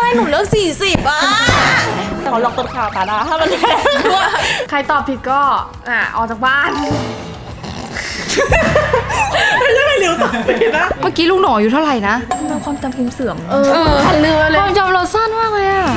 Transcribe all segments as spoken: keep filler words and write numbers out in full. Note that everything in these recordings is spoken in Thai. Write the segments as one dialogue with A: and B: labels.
A: หนูเลือกสี่สิบอ่ะ
B: เขาล็อกต้นข่าวตาดาถ้ามันแพงใครตอบผิดก็อ่ะออกจากบ้านไม่ใช่ไม่เร็วตอบผิดนะเมื่อกี้ลุงหน่ออยู่เท่าไหร่นะ
A: ความจำพิมพ์เสื่อม
B: เออทันเรือเลยความจำเราสั้นมากเลยอะ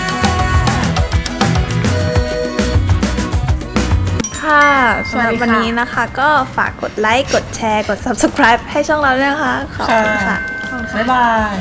A: ค่ะสำหรับวันนี้นะคะก็ฝากกดไลค์กดแชร์กด ซับสไครบ์ ให้ช่องเราด้วยนะคะขอบคุณค่ะ
B: บ๊ายบาย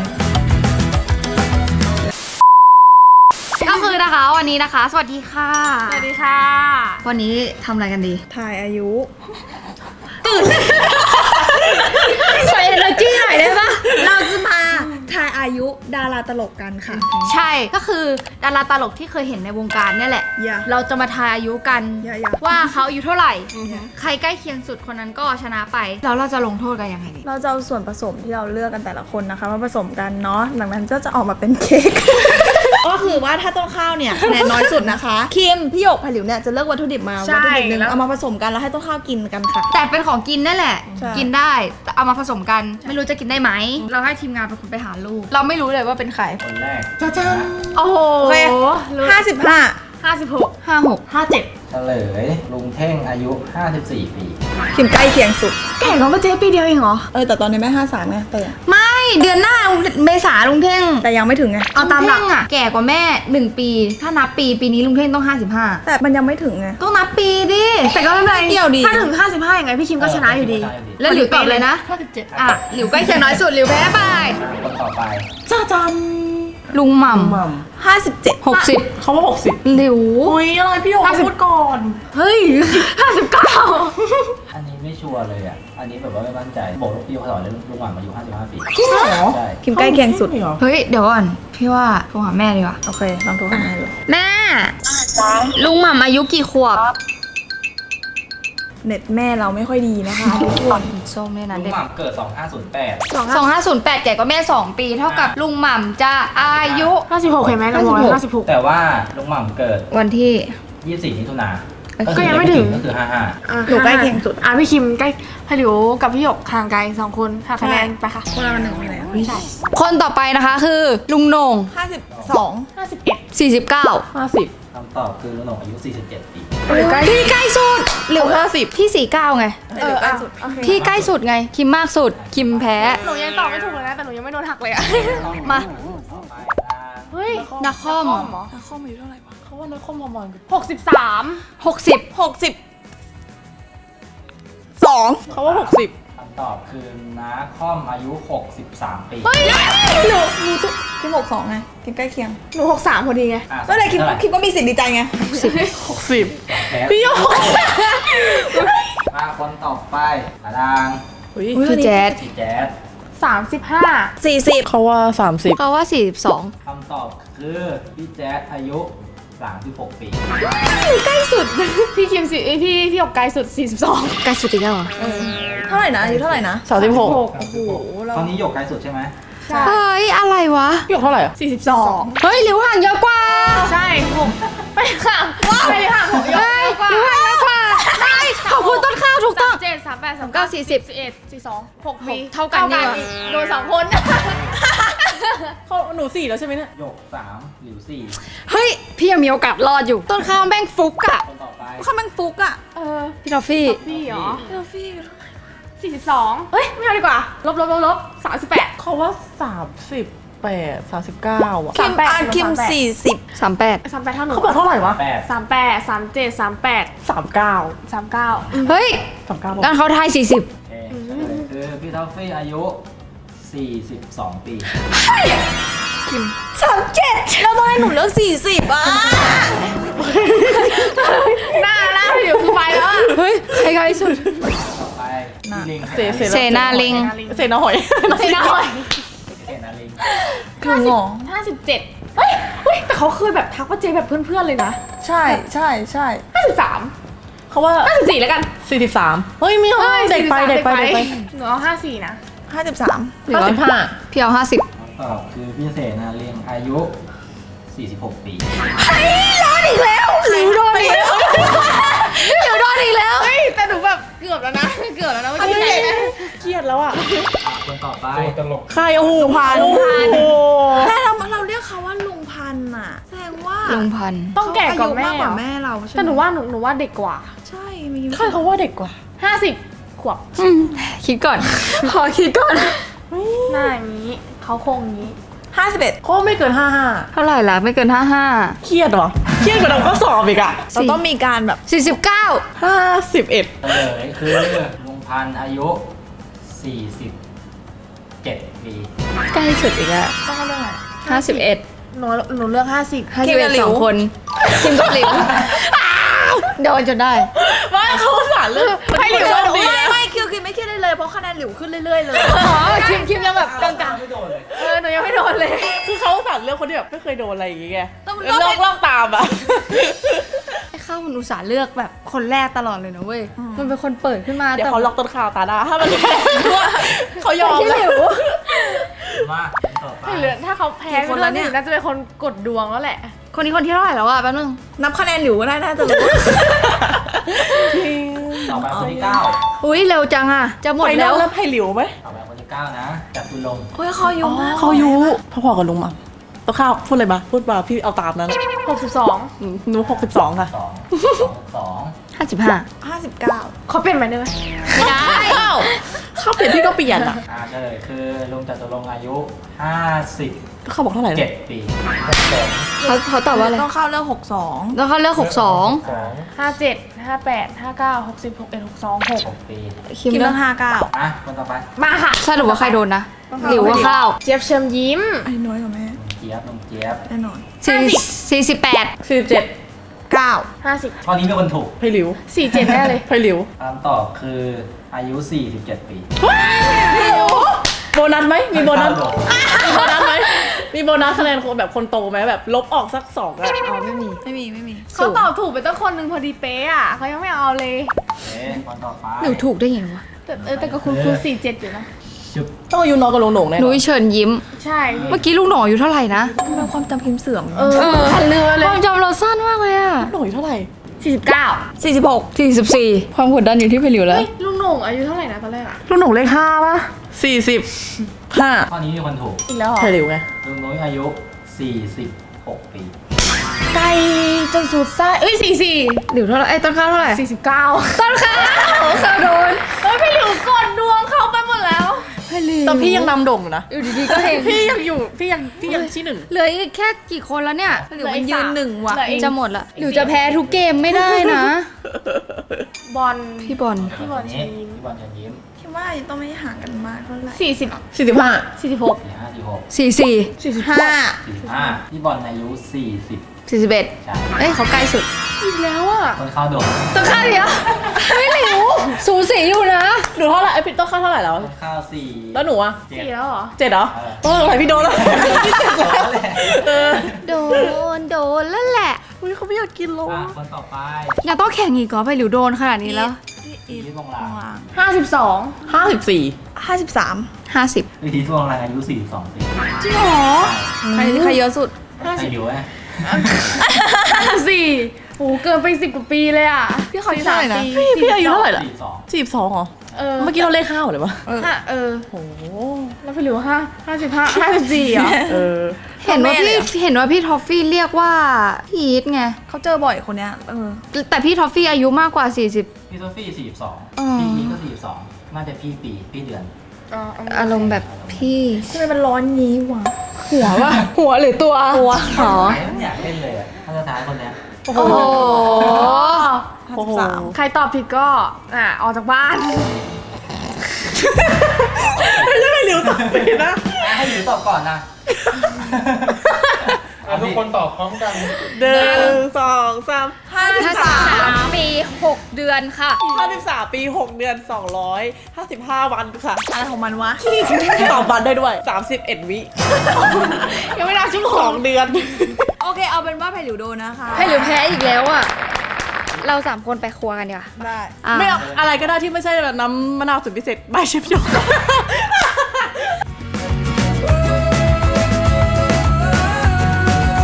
B: ก็คือนะคะวันนี้นะคะสวัสดีค่ะสวัสดีค่ะวันนี้ทำอะไรกันดี
A: ถ่ายอายุ
B: ตื่นใส่ energy หน่อยได้ปะ
A: เราจะมาถ่ายอายุดาราตลกกันค่ะ
B: ใช่ก็คือดาราตลกที่เคยเห็นในวงการเนี่ยแหละ
A: yeah.
B: เราจะมาทายอายุกัน
A: yeah, yeah.
B: ว่าเขาอายุเท่าไหร่ yeah. ใครใกล้เคียงสุดคนนั้นก็ชนะไปแล้วเราจะลงโทษกันยังไง
A: เราจะเอาส่วนผสมที่เราเลือกกันแต่ละคนนะคะมาผสมกันเนาะหลังนั้นก็จะออกมาเป็นเค้ก ก็คือว่าถ้าต้นข้าวเนี่ยคะแนนน้อยสุดนะคะคิมพี่หยกผลิวเนี่ยจะเลือกวัตถุดิบมาวัตถุดิบหนึ่งเอามาผสมกันแล้วให้ต้นข้าวกินกันค่ะ
B: แต่เป็นของกินนั่นแหละกินได้เอามาผสมกันไม่รู้จะกินได้ไหมเราให้ทีมงานเป็นคนไปหาลูกเราไม่รู้เลยว่าเป็นใคร
C: คนแรก
B: จ้าจ้าโอ้โห
A: ห้าสิบห้า
B: ห้าสิบหกห้าหกห้าเจ็ด
C: เฉลยลุงเท่งอายุห้าสิบสี่ปี
A: คิมใกล้เคียงสุด
B: แก่กว่าเจ๊ปีเดียวเองเหรอ
A: เออแต่ตอนนี้แม่ห้าสามไงแต่
B: ไม่เดือนหน้าเมษาลุงเท่ง
A: แต่ยังไม่ถึงไง
B: เอาตามหลักอ่ะแก่กว่าแม่หนึ่งปีถ้านับปีปีนี้ลุงเท่งต้องห้าสิบห้า
A: แต่มันยังไม่ถึงไง
B: ต้องนับปีดิแต่ก็ไม่เป็นไร
A: เกี่ยวดี
B: ถ้าถึงห้าสิบห้ายังไงพี่คิมก็ชนะอยู่ดีแล้วหลิวตอบเลยนะห้าสิบเจ็ดอ่ะหลิวใกล้เคียงน้อยสุดหลิวแพ้ไป
C: คนต่อไป
B: จ้าจันลุงหม่
A: ำห้าสิบเจ็ด
B: หกสิบเขาว่าหกสิบหลิว
A: อุ้ยอะไรพี่หยกพูดก่อน
B: เฮ้ยห้าสิบเก้า
C: อันนี้ไม่ชัวร์เลยอ่ะอันนี้แบบว่าไม่มั่นใจบอกลูกพี่เขาสอนเลยลุงหม่ำอายุห้าสิบห้าปี
A: จริงเหรอใช่คิมใกล้เคียงสุด
B: เฮ้ยเดี๋ยวก่อนพี่ว่าโทรหาแม่ดีกว่า
A: โอเคลองโทรหาแม่ดู
B: แม่ลุงหม่ำอายุกี่ขวบ
A: เน็ตแม่เราไม่ค่อยดีนะคะทุกคน
B: ส้มเนี่ยนะ
C: ลุงหม่ำเกิดสองห้าศูนย์แปด
B: สองห้าศูนย์แปดแก่กว่าแม่สองปีเท่ากับลุงหม่ำจะอายุห้าสิบหกเห็นไหมเราบอกห้าสิบหก
C: แต่ว่าลุงหม่ำเกิด
B: วันที่
C: ยี่สิบสี่มิถุนายน
B: ก็ยังไม่ถึง
C: ก็คือห้าห้า
A: หนูใกล้เคียงสุด
B: อ่ะพี่คิมใกล้พี่หลิวกับพี่หยกห่างไกลสองคนห่างคะแนนไปค่ะ
A: คนละหนึ่งคะแนน
B: ใช่คนต่อไปนะคะคือลุงโหน่ง
A: ห้าสิบสอง
B: ห้าสิบเอ็ดสี่สิบเก้าห้าสิบ
C: คำตอบคือลุงโหน่งอายุสี่สิบเจ็ดปี
B: พี่ใกล้สุดหรือห้าสิบพี่สี่สิบเก้าไง
A: เออใกล้สุด
B: พี่ใกล้สุดไงคิมมากสุดคิมแพ้
A: หนูยังตอบไม่ถูกเลยนะแต่หนูยังไม่โดนหักเลยอะ
B: มาเฮ้ยนักคอม
A: นักคอมอายุเท่าไหร่วะ
B: เขาว่านักคอมประมาณหกสิบสามหกสิบ
A: หกสิบสอง
B: เขาว่าหกสิบ
C: คำตอบคือน้าคอมอายุหกสิบสามปี
A: เฮ้ยหนูหนูตุ๊กคิมหกสองไงคิมใกล้เคียงหนูหกสามพอดีไงก็เลยคิมคิมก็มีสิทธิ์ดีใจไง
B: หกสิบ
C: พี่โยมาคนต่อไปอาดัง
B: พี่แจ๊ด
C: พี่แจ๊ด
B: สามสิบห้า
A: สี่สิบ
B: เขาว่าสามสิบเขาว่าสี่สิบสอง
C: คำตอบคือพี่แจ๊ดอายุสามสิบหกปี
B: ใกล้สุดพี่คิมสิพี่พี่หยกไกลสุดสี่สิบสองใกล้สุดอีกแล้วเหรอ
A: เท่าไหร่นะอายุเท่าไหร่นะ
B: สามสิบหก
A: โอ้โห
C: ตอนนี้หยกไกลสุดใช่ไหม
B: เฮ้ยอะไรวะหยกเท่าไหร่สี่สิบสองเฮ้ยหลิวห่างเยอะกว่าใช่ผมไปห่างว้าวไปห่างผมเยอะกว่าหลิวห่างเยอะกว่าใช่ขอบคุณต้นข้าวถูกต้องเจ็ดสามแปดสามเก้าสี่สิบสี่เอ็ดสี่สองหกปีเท่ากันนี่โดนสองคนเขาหนูสี่แล้วใช่ไหมเนี่ย
C: หยกสามหลิวสี่
B: เฮ้ยพี่ยังมีโอกาสรอดอยู่ต้นข้าวแม่งฟุกอะ
C: คนต่อไป
A: เขาแม่งฟุกอะ
B: เออพี่ทอฟฟี่
A: พี่เหรอพี่ทอฟฟี่
B: สี่สิบสองเฮ้ยไม่เอาดีกว่าลบลบลบลบสามสิบแปด
D: เขาว่าสามสิบแปดสามสิบเก้าอ่ะ
A: คิมอ่านคิมสี่สิบ
B: สามแปดสามแปดเท่าหนู
D: เขาบอกเท่าไหร่วะ
B: สามแปดสามเจ็ดสามแปด
D: สามเก้า
B: สามเก้าเฮ้ย
D: สามเก้า
B: งั้นเขาทายสี่สิบ
C: คือพี่ทอฟฟี่อายุสี่สิบสองปี
A: คิมสามเจ็ดแล้วต้องให้หนูเลือกสี่สิบอ่ะ
B: หน้าหน้าอยู่คือไปแล้วอ่ะเฮ้ยใครใครสุด
C: ต่อไปลิง
B: เสนาลิง
D: เสนาหอย
B: เสนาหอย
C: เสนาลิง
A: คือหงอ
B: ห้าสิบเจ็ดเฮ้ยเฮ้ยแต่เขาเคยแบบทักว่าเจแบบเพื่อนๆเลยนะ
A: ใช่ใช่ใช่
B: ห้าสิบสาม
D: เขาว่า
B: ห้าสิบสี่แล้วกัน
D: สี่สิบสามเฮ้ยมีเฮ้ยเด็กไปเด็กไปเด็กไป
B: หนูเอาห้าสี่นะ
A: ห้าสิบสาม
D: ห้าสิบห้า
B: พี่เอาห้าสิบ
C: ตอบคือพี่เสนาลิงอายุสี่สิบหกปี
A: เฮ้ยรอดอีกแล้ว
B: หลิวโดนอีกแล้วหลิวโดนอีกแล้วเฮ้ยแต่หนูแบบเกือบแล้วนะเกือบแล้วนะไม่ใช่ไหม
D: เครียดแล้วอ่ะ
C: คนต่อไป
D: ใครโอ้โหพาน
A: แต่เราเราเรียกเขาว่าลุแสดงว่า
B: ลุงพันธุ์
D: ต้องแก่กว่าแม่
A: เขอายุมากกว่าแม่เราใช่ไหม
D: แต่หนูว่าหนูหนูว่าเด็กกว่า
A: ใช่มี
D: ใครเขาว่าเด็กกว่า
B: ห้าสิบ
D: ขวบ
B: อืมคิดก่อน ขอคิดก่อน
D: หน้าอย่างนี้เขาโครงอย่างนี้
A: ห้าสิบเอ็ด
D: เขาไม่เกินห้าห้า
B: เท่าไหร่ล่ะไม่เกินห้าห้า
D: เครียดเหรอเครียดกว่าเราก็สอบอีกอะ
A: เราต้องมีการแบบ
B: สี่สิบเก้า
D: ห้าสิบเอ็ด
C: เฉลยคือลุงพันธุ์อายุสี่สิบเจ็ดปี
B: ใกล้สุดอีกแล้ว
D: ต้องเรื่องอะไร
B: ห้าสิบเอ็ด
D: หนูหนูเลือกห้าสิบ
B: ห้าสิบเอ็ดสองคนคิมกับหลิวโดนจนได้
D: ว่าเขาสารเลือก
A: ไม่หลิว
D: โชคดี
A: ไม่
D: นะ
A: ไม่คิวคิวไม่คิดได้เลยเพราะคะแนนหลิวขึ้นเรื่อยๆเลย
B: อ๋อคิมคิมยังแบบกลาง
C: ไม่โดนเลย
D: เออหนูยังไม่โดนเลย คือเขาสารเลือกคนที่แบบไม่เคยโดนอะไรอย่างเงี้ย
A: ต้อง
D: แล้วลอกลอกตามอะ
B: ๆไอ้ข้าวมันอุตส่าห์เลือกแบบคนแรกตลอดเลยนะเว้ยมันเป็นคนเปิดขึ้นมา
D: เดี๋ยว
B: แต่
D: เขาล็อกต้นข่าวตาดาถ้ามันเขายอม
B: ที่
D: แล้
B: หลิ
D: ว
B: ว
C: มาต่อไป
D: เหลือถ้าเขาแพ้คนละเนี่ยน่าจะเป็นคนกดดวงแล้วแหละ
B: คนนี้คนที่เท่าไหร่แล้วอะแป๊บนึง
A: นับคะแนนหลิวก็ได้น่าจะรู้
C: ต่อไปคนที่เก้า
B: อุ้ยเร็วจังอะจะหมด
D: ไป
B: แล้
D: แล้ว วแล้วไผ่หลิวไหม
C: ต่อไปคนที่เก้านะจับตุลงค์
A: โอ้ยเขาอายุมาก
D: เขายุพอๆกับลุงมั่งตัวข้าวพูดอะไรมาพูดมาพี่เอาตามนั้น
B: หกสิบสอง
D: อืมหนูหกสิบสองค่ะ
C: สองสอง
B: ห้าสิบห้า
A: ห้าสิบเก้า
D: เขาเปลี่ยนไปได้ไหม
B: ไม่ได้
D: ข้าวข้าวเปลี่ยนพี่ก็เปลี่ยนอ่ะ
C: อ่าเฉลยคือลุงจตุรงค์อายุห้าสิบ
D: เขาบอกเท่าไหร่นะ
C: เจ็ดปีสอง
B: เขาเขาตอบว่าอะไร
A: ต้องเข้าเรื่องหกสอง
B: แล้วเขาเลือกหกสอง
C: สอง
D: ห้าเจ็ดห้าแปดห้าเก้าหกสิบหกเอ็ดหกสองหก
C: หกปี
B: คิม
A: คิม
B: เลื
A: เรื่
B: อ
A: อก งห้าเก้า
C: อ่ะคนต่อไป
D: มาค่ะ
B: สรุปว่าใครโดนนะหลิวว่าข้าว
D: เจี๊ยบเชิญยิ้ม
A: ไอ้น้อยกว่าแม่
C: ลุงเจี๊ยบลุงเจี๊ยบ
A: แน่นอน
B: สี่สี่สิบแปด
D: สี่สิบเจ็ด
A: เก้า
D: ห้าสิบ
C: ข้อนี้มีคนถูก
D: ไผ่หลิวสี่เจ็ดแน่เลยไผ่หลิว
C: คำตอบคืออายุสี่สิบเจ็ดปี
D: โบนัสไหมมีโบนัส
C: เก้าดอก
D: มีโบนัสไหมมีโบนัสคะแนนคนแบบคนโตไหมแบบลบออกสักสองอะ
B: อ๋อไม่มี
A: ไม่มีไม่มี
D: เขาตอบถูกไปตั้งคนหนึ่งพอดีเป๊ะอ่ะเขายังไม่เอาเลย
C: เอ๊ะคนต่อไป
B: หนูถูกได้ไงวะ
D: แต่เออแต่ก็คุณคุณสี่เจ็ดอยู่นะ
C: ชุบ
D: ต้องอายุน้อยกว่าลุงโหน่งแน่น
B: นุ้
D: อย น
B: เชิญยิ้ม
D: ใช่
B: เมื่อกี้ลูกหน่ออยู่เท่าไหร่นะ
A: ทำไมความจำพิมพ์เสื่อม
D: เออทันเรือเล
B: ควาย มจำเราสั้นมากเลยอะ
D: ลุงโหน่งอายุเท่าไหร่
B: สี่สิบเก้า
A: สี่สิบหก
B: สี่สิบสี่ความกดดันอยู่ที่ไปหลิวแล้ว
D: เฮ้ยลุงโหน่งอายุเท่าไหร่นะตอนแรกอ่ะลุงโหน่งเลขห้าป่ะสี่สิบห้า
C: ข้อนี้มีคนถูก
D: อีกแล้วเหรอไผ่หลิวไง
C: ลุงนุ้ยอายุสี่สิบหกปี
D: ไกลจนสุดไส้เอ้ยสี่สี่
B: หลิวเท่าไหร่ไอ้ยต้นข้าวเท่าไหร่
D: สี่สิบเก้า
B: ต้นข้าวข้าวโดน
D: เฮ้ยพี่หลิวกดดวงเขาไปหมดแล้ว
B: ไปหลิว
D: แต่พี่ยังนำโด่งอยู่นะ
B: อยู่ดีๆก็เห็น
D: พี่ยังอยู่พี่ยังพี่ยังที่หนึ่ง
B: เหลืออีกแค่กี่คนแล้วเนี่ย
A: หลิวมันยืนหนึ่งว่ะ
D: เหลืออีก
B: จะหมดละหลิวจะแพ้ทุกเกมไม่ได้นะ
D: บอล
B: พี่บอล
C: พี่บอลเชิญยิ้มพี่บอลเชิญยิ้ม
A: คิดว่ายังต้องไม่ห่างกันมากเท่าไหร่
D: สี่สิบสี่สิบห้าสี่สิบหก
C: สี่ห้าสี่หก
B: สี่สี่
D: สี่สิบ
A: ห้า
C: สี่ห้าพี่บอลอายุสี่สิบ
B: สี่สิบเอ็ด
C: ใช่
B: เอ้ยเขาใกล้สุด
D: อีกแล้วอ่ะ
C: คนเข้าโดด
B: ต้นข้าวเดียวไม่หลิวสูสีอยู่นะ
D: หนูเท่าไหร่ไอ้พี่ต้องค่าเท่าไหร่แล้ว
C: คนเข้าสี่
D: แล้วหนูอ่ะ
C: เจ็ด
D: สี่แล้วเหรอเจ็ดเหรอ
C: เออ
D: โอ้ยพี่โดนแล้วพี่เจ็ดแล้ว
C: แหละ
D: เออ
B: โดนโดนแล้วแหละ
D: อุ้ยเขาไม่อยากกินโล
C: อ่ะคนต่อไป
B: ยังต้องแข่งอีกเหรอไปหลิวโดนขนาดนี้แล้ว
C: วิธีทวงหลัง
D: ห้าสิบสองห้าสิบสี่
A: ห้าสิบสาม
B: ห้าสิบ
C: วิธีทวงหลังอายุสี่สิบสองปี
B: จริงเหรอ
A: ใครใครเยอะสุด
C: ใช่อยู่ไหม
D: ห้าสิบสี่โอ้เกินไปสิบกว่าปีเลยอ่ะ
A: พี่เขาอายุเท่าไหร่นะ
D: พี่พี่อายุเท่าไหร่ล่ะ
C: สี่สิบสอง
D: สี่สิบสองเหรอเออเมื่อกี้เราเลขห้าหมดเลยวะ
A: เออ
D: ห้าเออโหแล้วพี่หลิวห้าห้าสิบห้าห้าสิบสี่เหรอเออ
B: เห็นว่าพี่เห็นว่าพี่ทอฟฟี่เรียกว่าพี่อีทไง
A: เขาเจอบ่อยคนเนี้ยเออ
B: แต่พี่ทอฟฟี่อายุมากกว่าสี่สิบ
C: พี่โซฟี่สี่สิบสอง
B: อ๋อ
C: พี่นี้ก็สี่สิบสองน่าจะพี่ปีพี่เดือน
B: อารมณ์แบบพี่
A: ทำไมมันร้อนงี้วะ
B: หัวว่ะหัวหรือตัวหัวหรอ
C: ไม่อยากเล่นเลยอ่ะถ้าจะท้ายคนเนี้ย
D: โอ้โห
A: ห้า
D: โอ้
A: สิ
D: โห
A: บสาม
D: ใครตอบผิดก็อ่ะออกจากบ้าน
C: ไม่ใช่หลิวตอบผิดนะให้หลิวตอบก่อนนะ
E: ทุกคนตอบพร้อมกัน
D: หนึ่งสองสาม
A: ห้าสิบ
B: ห้าสิบ
A: สาม
B: สามปีหกเดือนค่ะ
D: ห้าสิบสามปีหกเดือนสองร้อยห้าสิบห้าวันค่ะ
A: อะไรของมันวะ
D: ตอบบันได้ด้วยสามสิบเอ็ดวิ ยังไม่นับช่วงสองเดือน
A: โอเคเอาเป็นว่าไผ่หลิวโดนนะคะ
B: ให้หรือแพ้อีกแล้วอ่ะ เราสามคนไปครัวกันดีกว่า
A: ได้
B: อ่ะ
D: ไม่เอาอะไรก็ได้ที่ไม่ใช่แบบน้ำมะนาวสุดพิเศษใบเชฟโยก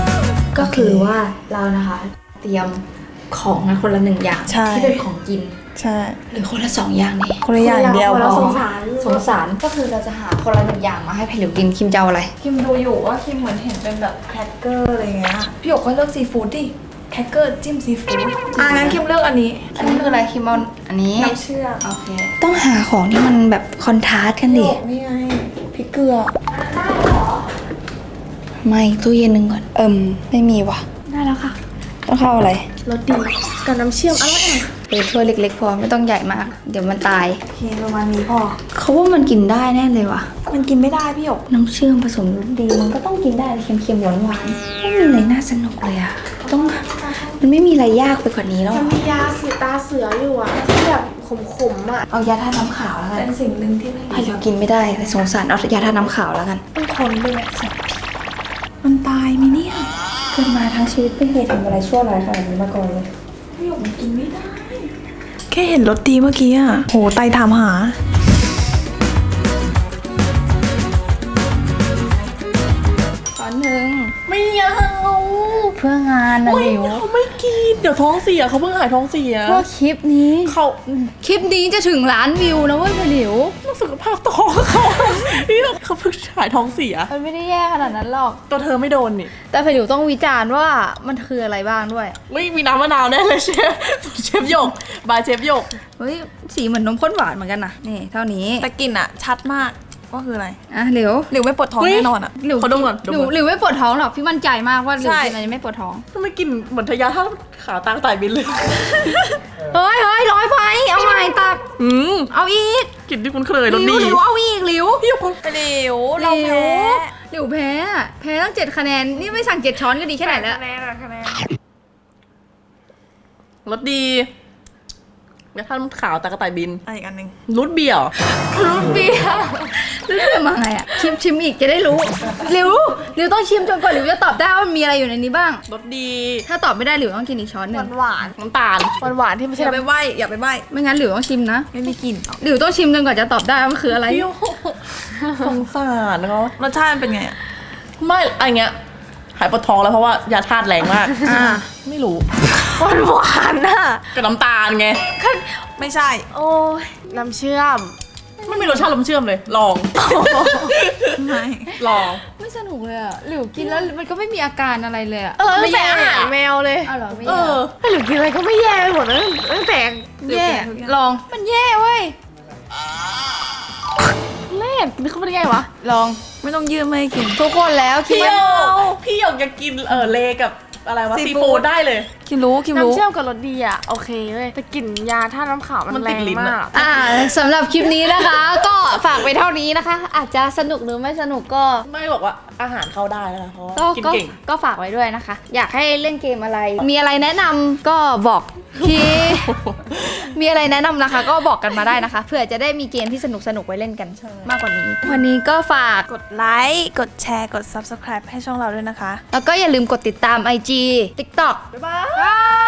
B: ก็คือว่าเรานะคะ เตรียมของมาคนละหนึ่งอย่าง
A: ใช่
B: ที่เป็นของกิน
A: ใช่
B: หรือคนละสองอย่างนี่
A: คนละอย่างเดียว
B: คนละ
A: พอ
B: สงสารสงสารก็คือเราจะหาคนละหนึ่งอย่างมาให้ไผ่หลิวกินคิมจะเอาอะไร
A: คิมดูอยู่ว่าคิมเหมือนเห็นเป็นแบบแครกเกอร์อะไรเงี้ยพี่หยกก็เลือกซีฟู้ดดิแครกเกอร์จิ้มซีฟู้ดอ่ะงั้นคิมเลือกอันนี้
B: อันนี้คืออะไรคิมเอาอันนี้
A: น้ำเชื่อม
B: โอเคต้องหาของที่มันแบบคอนทราสต์กันดิ
A: นี่ไงพริกเกลือ
B: ไม่ตู้เย็นหนึ่งก่อนเอิมไม่มีว่ะ
A: ได้แล้วค่ะ
B: ต้องเข้าอะไร
A: รสดีกับน้ำเชื่อมอร่อย
B: เออถ้วยเล็กๆพอไม่ต้องใหญ่มาก เดี๋ยวมันตาย
A: โอเคประมาณนี้พอ
B: เขาว่ามันกินได้แน่เลยว่ะ
A: มันกินไม่ได้พี่หยก
B: น้ำเชื่อมผสมรสดีมันก็ต้องกินได้เค็มๆหวานๆไม่มีอะไรน่าสนุกเลยอะต้องมันไม่มีอะไรยากไปกว่านี้แล้ว
D: มัน
B: อะ
D: มียาสีตาเสืออยู่อ่ะที่แบบขมๆอ่ะ
B: เอายาทาน้ำขาวแล้วกัน
A: เป็นสิ่งหนึ่งที่ไม่
B: ไผ่เรากินไม่ได้แต่สงสารเอายาทาน้ำขาวแล้วกัน
A: ต้องทนด้วยมันตายไหมเนี่ย
B: เกิดมาทั้งชีวิตไม่เคยทำอะไรชั่วร้ายขนาดนี้มาก่อนเลย
A: พี่หยกมันกินไม่ได้ แค่เห็นรสดีเมื่อกี้อ่ะโหไตถามหา
B: ตอนหนึ่ง
D: ไม่เอา
B: เพื่องานนะ
D: ไม่
B: หลิว
D: เอาไม่กินเดี๋ยวท้องเสียเขาเพิ่งหายท้องเสีย
B: เพื่อคลิปนี้
D: เขา
B: คลิปนี้จะถึงล้านวิวนะเว้ยไผ่หลิว
D: สุขภาพท้องเขานี่เขาเพิ่งหายท้องเสีย
B: มันไม่ได้แย่ขนาดนั้นหรอก
D: ตัวเธอไม่โดนนี่
B: แต่ไผ่หลิวต้องวิจารณ์ว่ามันคืออะไรบ้างด้วย
D: ไม่มีน้ำมะนาวแน่เลยเชฟเชฟหยกบายเชฟหยก
B: เฮ้ยสีเหมือนนมข้นหวานเหมือนกันนะนี่เท่านี้
A: แต่กลิ่นอ่ะ ชัดมากว่าคืออะไร
B: อ่ะหลิว
A: หรือไม่ปวดท้อง
D: เฮ้ย
A: แน่นอนอ่ะ
B: หลิว
D: ขอดมก่อนดม
B: หลิว
D: ก่อน
B: หลิวไม่ปวดท้องหรอกพี่มั่นใจมากว่าหลิว
A: ใช่
B: กินอะไรไม่ปวดท้อง
D: ทำไมกลินเหมือนทะยาท่าขาตางไต่บินเลย
B: เฮ้ยเฮ้ยร้อยไปเอาใหม่ตัก
D: อืม
B: เอาอีก
D: กลิ่นที่คุ้นเคยรส
B: หลิ
D: ดี
B: วหลิวเอาอีกหลิว
D: พี่หยก
A: หลิวเราแพ้
B: หลิวแพ้อะแพ้ตั้งเจ็ดคะแนนนี่ไม่สั่งเจ็ดช้อนก็ดีแค่ไหนแล้ว
D: คะแนนอะคะแนนรสดีแล้วท่านขาวตากระต่ายบิน
A: อะไรอีกอันหนึ่ง
D: รุดเบียร์
B: รูทเบียร์รูทเบียร์มาไงอ่ะชิมชิมอีกจะได้รู้หลิวหลิวต้องชิมจนกว่าหลิวจะตอบได้ว่ามันมีอะไรอยู่ในนี้บ้าง
D: รสดี
B: ถ้าตอบไม่ได้หลิวต้องกินอีกช้อนหนึ่ง
A: หวาน
D: น้ำตาล หวานหวานๆที่ไม่
A: ๆอ
D: ใช่
A: ย่าไป
D: น้ำ
A: ใบ้อย่าไปใบ้
B: ไม่งั้นหลิวต้องชิมนะ
A: ไม่มีกลิ่นหรอก
B: หลิวต้องชิมจนกว่าจะตอบได้ว่ามันคืออะไร
D: เปรี้ยวสงสารเขา
A: รสชาติมันเป็นไงอะ
D: ไม่อะไรเงี้ยหายปวดท้องแล้วเพราะว่ายาธาตุแรงมาก
B: อ่า
D: ไม่รู้
A: หวานหวานๆน่ะ
D: กับน้ำตาลไง
A: ไม่ใช่
D: โอ้ยน้ำเชื่อม ไม่มีรสชาติน้ำเชื่อมเลย ลอง
A: ไม่
D: ลอง
B: ไม่สนุกเลยอ่ะหลิวกินแล้วมันก็ไม่มีอาการอะไรเลยอ่ะ
D: เออ
B: ไม่
D: แต่อาหารแมวเลย
B: เอาเหรอไม่
D: เอ
B: แย่
D: อให้หรือกินอะไรก็ไม่แย่ไปหมดเลยตั้งแต่
B: แย่ลองมันแย่เว้ย
D: แรกนี่เขาเป็นไงวะ
B: ลอง
A: ไม่ต้องยืมไม่ให้กิน
B: ทุกคนแล้วคิด
D: พี่หย
B: ว่า
D: กพี่หยกอยากกินเออเลกับอะไรวะ
A: ซี
D: ซี
A: ฟู้
D: ฟู้
A: ด
D: ดได้เลย
A: คิมรู้คิมรู้
E: น้ำเชื่อมกับรสดีอ่ะ โอเคเลยแต่กลิ่นยาท่าตุน้ำขาวมัน
D: มัน
E: แร
D: ติด
E: ง
D: ลิ้นอะ
E: มาก
B: อ่าสำหรับคลิปนี้นะคะ ก็ฝากไปเท่านี้นะคะ อาจจะสนุกหรือไม่สนุกก็
D: ไม่บอกว่าอาหารเข้าได้แล้วนะเพราะว่า
B: ก็
D: กิน
B: ก็
D: เก่ง
B: ก็ฝากไว้ด้วยนะคะ อยากให้เล่นเกมอะไร มีอะไรแนะนำก็บอกที่ มีอะไรแนะนำนะคะ ก็บอกกันมาได้นะคะเผื่อจะได้มีเกมที่สนุกสนุกๆไว้เล่นกันมากกว่านี้ วันนี้ก็ฝาก
A: กดไลค์กดแชร์กด ซับสไครบ์ ให้ช่องเราด้วยนะคะ
B: แล้วก็อย่าลืมกดติดตาม ไอ จี ติ๊กต็อก
D: บ๊ายบาย
B: บาย